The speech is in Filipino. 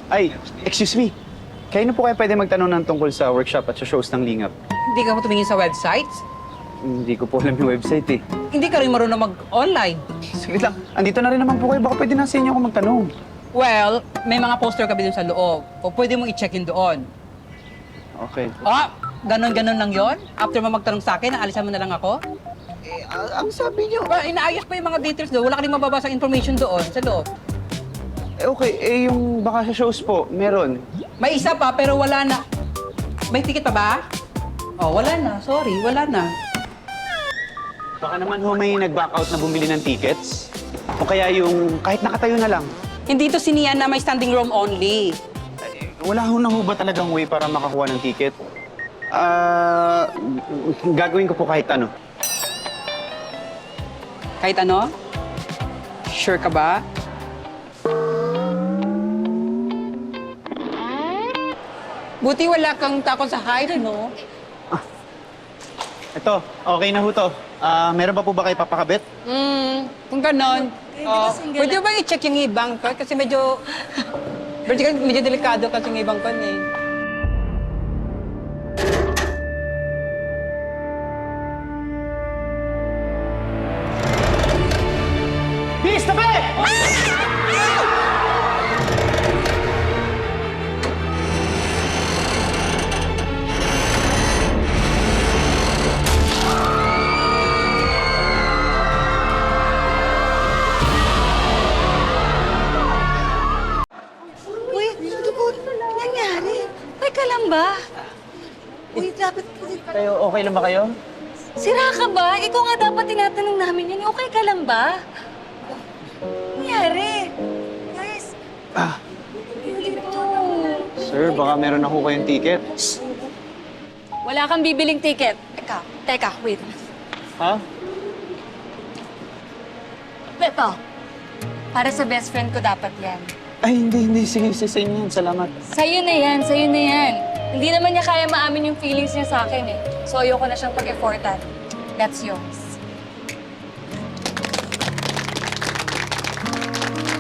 Ay, excuse me. Kayo na po kaya pwede magtanong ng tungkol sa workshop at sa shows ng Lingap? Hindi ka mo tumingin sa website? Hindi ko po alam yung website eh. Hindi ka rin marunong mag-online. Sige lang, andito na rin naman po kayo. Baka pwede na sa inyo ako magtanong. Well, may mga poster kami dun sa loob. O pwede mong i-check in doon. Okay. Ah, ganon-ganon lang yon. After mo magtanong sa akin, naalisan mo na lang ako? Ang sabi niyo... Inaayos pa yung mga details doon. Wala ka rin mababasang information doon sa loob. Okay, yung baka sa shows po, meron. May isa pa, pero wala na. May ticket pa ba? Oh, wala na. Sorry, wala na. Baka naman ho may nag-back out na bumili ng tickets. O kaya yung kahit nakatayo na lang. Hindi to siniyan na may standing room only. Wala ho na ho ba talagang way para makakuha ng ticket? Gagawin ko po kahit ano. Kahit ano? Sure ka ba? Buti wala kang takot sa height, no? Ito, okay na ho to. Meron pa po ba kayo papakabit? Kung ganon. Pwede ba i-check yung ibang ko? Kasi medyo delikado kasi yung ibang ko eh. Bis, tabi! Uy, ano po nangyari? Teka lang ba? Uy, dapat... Kayo, okay lang ba kayo? Sira ka ba? Ikaw nga dapat tinatanong namin yan. Okay ka lang ba? Nangyari? Guys, dito. Sir, baka meron ako kayong ticket. Wala kang bibiling ticket. Teka, wait. Ha? Ito. Para sa best friend ko dapat yan. Ay, hindi. Sige, sa inyo yan. Salamat. Sa'yo na yan. Hindi naman niya kaya maamin yung feelings niya sa akin eh. So ayoko na siyang pag-effortan. That's yours.